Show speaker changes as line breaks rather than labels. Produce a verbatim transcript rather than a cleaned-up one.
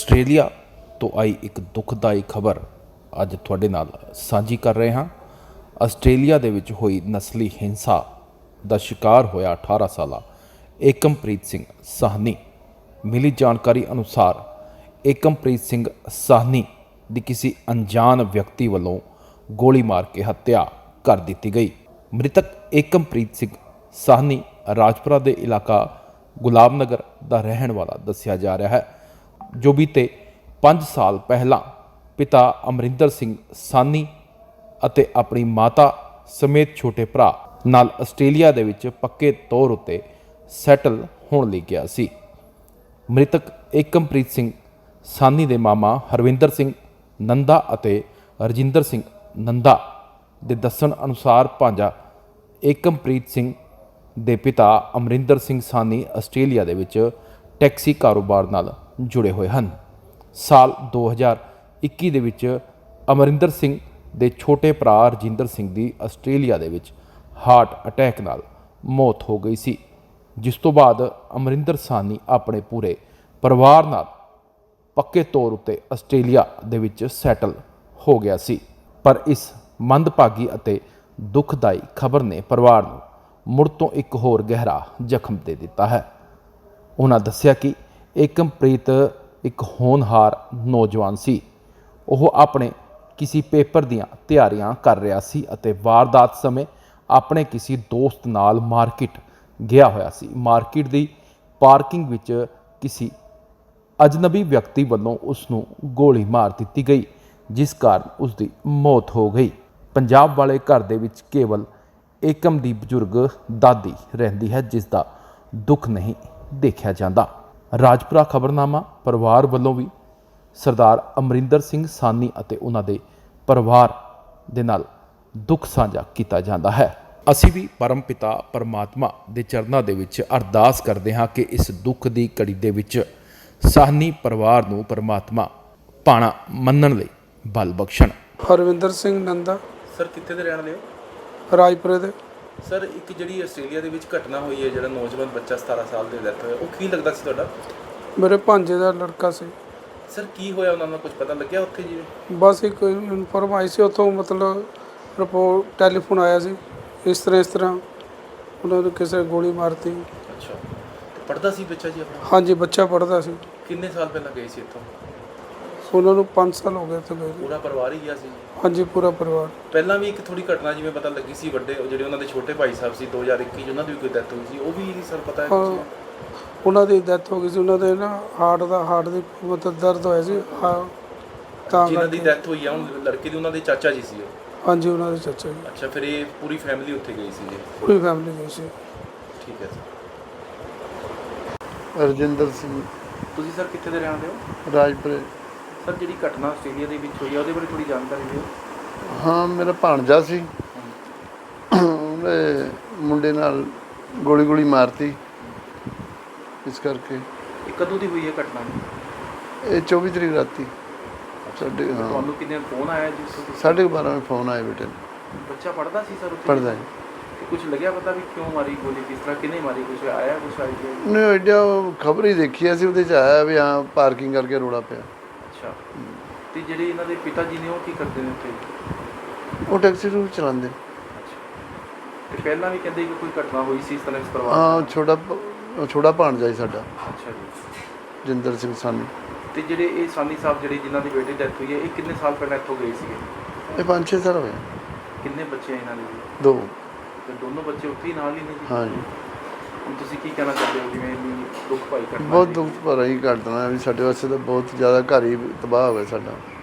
Australia ਤੋਂ ਆਈ ਇੱਕ ਦੁਖਦਾਈ ਖਬਰ ਅੱਜ ਤੁਹਾਡੇ ਨਾਲ ਸਾਂਝੀ ਕਰ ਰਹੇ ਹਾਂ। ਆਸਟ੍ਰੇਲੀਆ ਦੇ ਵਿੱਚ ਹੋਈ ਨਸਲੀ ਹਿੰਸਾ ਦਾ ਸ਼ਿਕਾਰ ਹੋਇਆ ਅਠਾਰਾਂ ਸਾਲਾ ਏਕਮਪ੍ਰੀਤ ਸਿੰਘ ਸਾਹਨੀ। ਮਿਲੀ ਜਾਣਕਾਰੀ ਅਨੁਸਾਰ ਏਕਮਪ੍ਰੀਤ ਸਿੰਘ ਸਾਹਨੀ ਦੀ ਕਿਸੇ ਅਣਜਾਣ ਵਿਅਕਤੀ ਵੱਲੋਂ ਗੋਲੀ ਮਾਰ ਕੇ ਹੱਤਿਆ ਕਰ ਦਿੱਤੀ ਗਈ। ਮ੍ਰਿਤਕ ਏਕਮਪ੍ਰੀਤ ਸਿੰਘ ਸਾਹਨੀ ਰਾਜਪੁਰਾ ਦੇ ਇਲਾਕਾ ਗੁਲਾਮ ਨਗਰ ਦਾ ਰਹਿਣ ਵਾਲਾ ਦੱਸਿਆ ਜਾ ਰਿਹਾ ਹੈ, ਜੋ ਬੀਤੇ ਪੰਜ ਸਾਲ ਪਹਿਲਾਂ ਪਿਤਾ ਅਮਰਿੰਦਰ ਸਿੰਘ ਸਾਹਨੀ ਅਤੇ ਆਪਣੀ ਮਾਤਾ ਸਮੇਤ ਛੋਟੇ ਭਰਾ ਨਾਲ ਆਸਟ੍ਰੇਲੀਆ ਦੇ ਵਿੱਚ ਪੱਕੇ ਤੌਰ ਉੱਤੇ ਸੈਟਲ ਹੋਣ ਲਈ ਗਿਆ ਸੀ। ਮ੍ਰਿਤਕ ਏਕਮਪ੍ਰੀਤ ਸਿੰਘ ਸਾਹਨੀ ਦੇ ਮਾਮਾ ਹਰਵਿੰਦਰ ਸਿੰਘ ਨੰਦਾ ਅਤੇ ਰਜਿੰਦਰ ਸਿੰਘ ਨੰਦਾ ਦੇ ਦੱਸਣ ਅਨੁਸਾਰ ਭਾਂਜਾ ਏਕਮਪ੍ਰੀਤ ਸਿੰਘ ਦੇ ਪਿਤਾ ਅਮਰਿੰਦਰ ਸਿੰਘ ਸਾਹਨੀ ਆਸਟ੍ਰੇਲੀਆ ਦੇ ਵਿੱਚ ਟੈਕਸੀ ਕਾਰੋਬਾਰ ਨਾਲ ਜੁੜੇ ਹੋਏ ਹਨ। ਸਾਲ ਦੋ ਹਜ਼ਾਰ ਇੱਕੀ ਦੇ ਵਿੱਚ ਅਮਰਿੰਦਰ ਸਿੰਘ ਦੇ ਛੋਟੇ ਭਰਾ ਰਜਿੰਦਰ ਸਿੰਘ ਦੀ ਆਸਟ੍ਰੇਲੀਆ ਦੇ ਵਿੱਚ ਹਾਰਟ ਅਟੈਕ ਨਾਲ ਮੌਤ ਹੋ ਗਈ ਸੀ, ਜਿਸ ਤੋਂ ਬਾਅਦ ਅਮਰਿੰਦਰ ਸਾਹਨੀ ਆਪਣੇ ਪੂਰੇ ਪਰਿਵਾਰ ਨਾਲ ਪੱਕੇ ਤੌਰ ਉੱਤੇ ਆਸਟ੍ਰੇਲੀਆ ਦੇ ਵਿੱਚ ਸੈਟਲ ਹੋ ਗਿਆ ਸੀ। ਪਰ ਇਸ ਮੰਦਭਾਗੀ ਅਤੇ ਦੁਖਦਾਈ ਖਬਰ ਨੇ ਪਰਿਵਾਰ ਨੂੰ ਮੁੜ ਤੋਂ ਇੱਕ ਹੋਰ ਗਹਿਰਾ ਜ਼ਖਮ ਦੇ ਦਿੱਤਾ ਹੈ। ਉਹਨਾਂ ਦੱਸਿਆ ਕਿ ਏਕਮਪ੍ਰੀਤ ਇੱਕ ਹੋਣਹਾਰ ਨੌਜਵਾਨ ਸੀ। ਉਹ ਆਪਣੇ ਕਿਸੇ ਪੇਪਰ ਦੀਆਂ ਤਿਆਰੀਆਂ ਕਰ ਰਿਹਾ ਸੀ ਅਤੇ ਵਾਰਦਾਤ ਸਮੇਂ ਆਪਣੇ ਕਿਸੇ ਦੋਸਤ ਨਾਲ ਮਾਰਕੀਟ ਗਿਆ ਹੋਇਆ ਸੀ। ਮਾਰਕੀਟ ਦੀ ਪਾਰਕਿੰਗ ਵਿੱਚ ਕਿਸੇ ਅਜਨਬੀ ਵਿਅਕਤੀ ਵੱਲੋਂ ਉਸ ਨੂੰ ਗੋਲੀ ਮਾਰ ਦਿੱਤੀ ਗਈ, ਜਿਸ ਕਾਰਨ ਉਸ ਦੀ ਮੌਤ ਹੋ ਗਈ। ਪੰਜਾਬ ਵਾਲੇ ਘਰ ਦੇ ਵਿੱਚ ਕੇਵਲ ਏਕਮ ਦੀ ਬਜ਼ੁਰਗ ਦਾਦੀ ਰਹਿੰਦੀ ਹੈ, ਜਿਸ ਦਾ ਦੁੱਖ ਨਹੀਂ ਦੇਖਿਆ ਜਾਂਦਾ। ਰਾਜਪੁਰਾ ਖਬਰਨਾਮਾ ਪਰਿਵਾਰ ਵੱਲੋਂ ਵੀ ਸਰਦਾਰ ਅਮਰਿੰਦਰ ਸਿੰਘ ਸਾਹਨੀ ਅਤੇ ਉਹਨਾਂ ਦੇ ਪਰਿਵਾਰ ਦੇ ਨਾਲ ਦੁੱਖ ਸਾਂਝਾ ਕੀਤਾ ਜਾਂਦਾ ਹੈ। ਅਸੀਂ ਵੀ ਪਰਮ ਪਿਤਾ ਪਰਮਾਤਮਾ ਦੇ ਚਰਨਾਂ ਦੇ ਵਿੱਚ ਅਰਦਾਸ ਕਰਦੇ ਹਾਂ ਕਿ ਇਸ ਦੁੱਖ ਦੀ ਘੜੀ ਦੇ ਵਿੱਚ ਸਾਹਨੀ ਪਰਿਵਾਰ ਨੂੰ ਪਰਮਾਤਮਾ ਭਾਣਾ ਮੰਨਣ ਲਈ ਬਲ ਬਖਸ਼ਣ।
ਹਰਵਿੰਦਰ ਸਿੰਘ ਨੰਦਾ।
ਸਰ ਕਿੱਥੇ ਦੇ ਰਹਿਣ ਵਾਲੇ ਹੋ?
ਰਾਜਪੁਰੇ ਦੇ।
ਸਰ ਇੱਕ ਜਿਹੜੀ ਆਸਟ੍ਰੇਲੀਆ ਦੇ ਵਿੱਚ ਘਟਨਾ ਹੋਈ ਹੈ, ਜਿਹੜਾ ਨੌਜਵਾਨ ਬੱਚਾ ਸਤਾਰਾਂ ਸਾਲ ਦੇ ਡੈਥ ਹੋਇਆ, ਉਹ ਕੀ ਲੱਗਦਾ ਸੀ ਤੁਹਾਡਾ?
ਮੇਰੇ ਭਾਂਜੇ ਦਾ ਲੜਕਾ ਸੀ।
ਸਰ ਕੀ ਹੋਇਆ, ਉਹਨਾਂ ਨੂੰ ਕੁਝ ਪਤਾ ਲੱਗਿਆ ਉੱਥੇ ਜੀ?
ਬਸ ਇੱਕ ਇਨਫੋਰਮ ਆਈ ਸੀ ਉੱਥੋਂ, ਮਤਲਬ ਰਿਪੋਰਟ ਟੈਲੀਫੋਨ ਆਇਆ ਸੀ, ਇਸ ਤਰ੍ਹਾਂ ਇਸ ਤਰ੍ਹਾਂ ਉਹਨਾਂ ਨੂੰ ਕਿਸੇ ਨੇ ਗੋਲੀ ਮਾਰਤੀ।
ਅੱਛਾ, ਤੇ ਪੜ੍ਹਦਾ ਸੀ ਬੱਚਾ ਜੀ ਆਪਣਾ?
ਹਾਂਜੀ, ਬੱਚਾ ਪੜ੍ਹਦਾ ਸੀ।
ਕਿੰਨੇ ਸਾਲ ਪਹਿਲਾਂ ਗਏ ਸੀ ਇੱਥੋਂ?
ਉਹਨਾਂ ਨੂੰ ਪੰਜ ਸਾਲ ਹੋ ਗਏ ਇੱਥੇ ਗਏ।
ਪੂਰਾ ਪਰਿਵਾਰ ਹੀ ਗਿਆ ਸੀ?
ਹਾਂਜੀ, ਪੂਰਾ ਪਰਿਵਾਰ।
ਪਹਿਲਾਂ ਵੀ ਇੱਕ ਥੋੜੀ ਘਟਨਾ ਜਿਵੇਂ ਪਤਾ ਲੱਗੀ ਸੀ, ਵੱਡੇ ਜਿਹੜੇ ਉਹਨਾਂ ਦੇ ਛੋਟੇ ਭਾਈ ਸਾਹਿਬ ਸੀ ਦੋ ਹਜ਼ਾਰ ਇੱਕੀ 'ਚ, ਉਹਨਾਂ ਦੀ ਵੀ ਕੋਈ ਡੈਥ ਹੋਈ ਸੀ, ਉਹ ਵੀ ਸਰ ਪਤਾ ਹੈ ਕੁਝ?
ਉਹਨਾਂ ਦੀ ਡੈਥ ਹੋ ਗਈ ਸੀ। ਉਹਨਾਂ ਦੇ ਨਾ ਹਾਰਟ ਦਾ ਹਾਰਟ ਦੀ ਮਤਲਬ ਦਰਦ ਹੋਇਆ ਸੀ, ਹਾਂ, ਤਾਂ
ਜਿਹਨਾਂ ਦੀ ਡੈਥ ਹੋਈ ਆ ਹੁਣ ਲੜਕੇ ਦੀ, ਉਹਨਾਂ ਦੇ ਚਾਚਾ ਜੀ ਸੀ ਉਹ?
ਹਾਂਜੀ, ਉਹਨਾਂ ਦੇ ਚਾਚਾ ਜੀ।
ਅੱਛਾ, ਫਿਰ ਇਹ ਪੂਰੀ ਫੈਮਿਲੀ ਉੱਥੇ ਗਈ ਸੀ ਜੀ?
ਪੂਰੀ ਫੈਮਿਲੀ ਗਈ ਸੀ।
ਠੀਕ ਹੈ ਸਰ।
ਰਜਿੰਦਰ ਸਿੰਘ।
ਤੁਸੀਂ ਸਰ ਕਿੱਥੇ ਦੇ ਰਹਿਣ ਵਾਲੇ ਹੋ?
ਰਾਜਪੁਰੇ।
ਸਰ ਜਿਹੜੀ ਘਟਨਾ ਆਸਟ੍ਰੇਲੀਆ ਦੇ ਵਿੱਚ ਹੋਈ ਆ, ਉਹਦੇ ਬਾਰੇ ਥੋੜੀ ਜਾਣਕਾਰੀ ਦਿਓ।
ਹਾਂ, ਮੇਰਾ ਭਾਣਜਾ ਸੀ, ਉਹਨੇ ਮੁੰਡੇ ਨਾਲ ਗੋਲੀ ਗੋਲੀ ਮਾਰਤੀ, ਇਸ ਕਰਕੇ।
ਇਹ ਕਦੋਂ ਦੀ ਹੋਈ ਹੈ ਘਟਨਾ?
ਇਹ ਚੌਵੀ ਤਰੀਕ ਰਾਤੀ ਸਾਡੇ। ਹਾਂ,
ਤੁਹਾਨੂੰ ਕਿੰਨੇ ਫੋਨ ਆਇਆ ਜੀ?
ਸਾਢੇ ਬਾਰਾਂ ਵਜੇ ਫੋਨ ਆਇਆ ਬੇਟੇ ਨੂੰ।
ਬੱਚਾ ਪੜ੍ਹਦਾ ਸੀ ਸਰ ਉੱਥੇ?
ਪੜ੍ਹਦਾ ਹੈ।
ਕੁਝ ਲੱਗਿਆ ਪਤਾ ਵੀ ਕਿਉਂ ਮਾਰੀ ਗੋਲੀ, ਕਿਸ ਤਰ੍ਹਾਂ, ਕਿਹਨੇ ਮਾਰੀ, ਕੁਝ ਆਇਆ ਕੁਝ ਆਈਡੀਆ?
ਉਹਨੇ ਐਡਾ ਖਬਰ ਹੀ ਦੇਖੀ ਸੀ, ਉਹਦੇ 'ਚ ਆਇਆ ਵੀ ਹਾਂ ਪਾਰਕਿੰਗ ਕਰਕੇ ਰੌਲਾ ਪਿਆ।
ਅੱਛਾ, ਤੇ ਜਿਹੜੇ ਇਹਨਾਂ ਦੇ ਪਿਤਾ ਜੀ ਨੇ ਉਹ ਕੀ ਕਰਦੇ ਨੇ ਉੱਥੇ?
ਉਹ ਟੈਕਸੀ ਨੂੰ ਚਲਾਉਂਦੇ।
ਅੱਛਾ, ਤੇ ਪਹਿਲਾਂ ਵੀ ਕਹਿੰਦੇ ਕਿ ਕੋਈ ਘਟਨਾ ਹੋਈ ਸੀ ਇਸ ਤਰ੍ਹਾਂ ਇਸ ਪਰਿਵਾਰ?
ਹਾਂ, ਛੋਟਾ ਛੋਟਾ ਭਾਣਜਾ ਸੀ ਸਾਡਾ,
ਅੱਛਾ ਜੀ।
ਜਿੰਦਰ ਸਿੰਘ ਸਾਨੀ।
ਤੇ ਜਿਹੜੇ ਇਹ ਸਾਨੀ ਸਾਹਿਬ ਜਿਹੜੇ ਜਿਨ੍ਹਾਂ ਦੀ ਬੇਟੀ ਡੈਥ ਹੋਈ ਹੈ, ਇਹ ਕਿੰਨੇ ਸਾਲ ਪਹਿਲਾਂ ਇੱਥੋਂ ਗਏ ਸੀਗੇ?
ਇਹ ਪੰਜ ਛੇ ਸਾਲ ਹੋਏ।
ਕਿੰਨੇ ਬੱਚੇ ਆ ਇਹਨਾਂ ਦੇ?
ਦੋ।
ਤੇ ਦੋਨੋਂ ਬੱਚੇ ਉੱਥੇ ਹੀ ਨਾਲ ਹੀ ਨੇ ਜੀ?
ਹਾਂ ਜੀ।
ਹੁਣ ਤੁਸੀਂ ਕੀ ਕਹਿਣਾ ਚਾਹੁੰਦੇ ਹੋ, ਜਿਵੇਂ ਇੰਨੀ ਦੁੱਖ ਭਾਈ ਘਟਨਾ?
ਬਹੁਤ ਦੁੱਖ ਭਰਾ ਹੀ ਘਟਨਾ ਵੀ ਸਾਡੇ ਵਾਸਤੇ ਤਾਂ ਬਹੁਤ ਜ਼ਿਆਦਾ ਘਰ ਹੀ ਤਬਾਹ ਹੋ ਗਿਆ ਸਾਡਾ।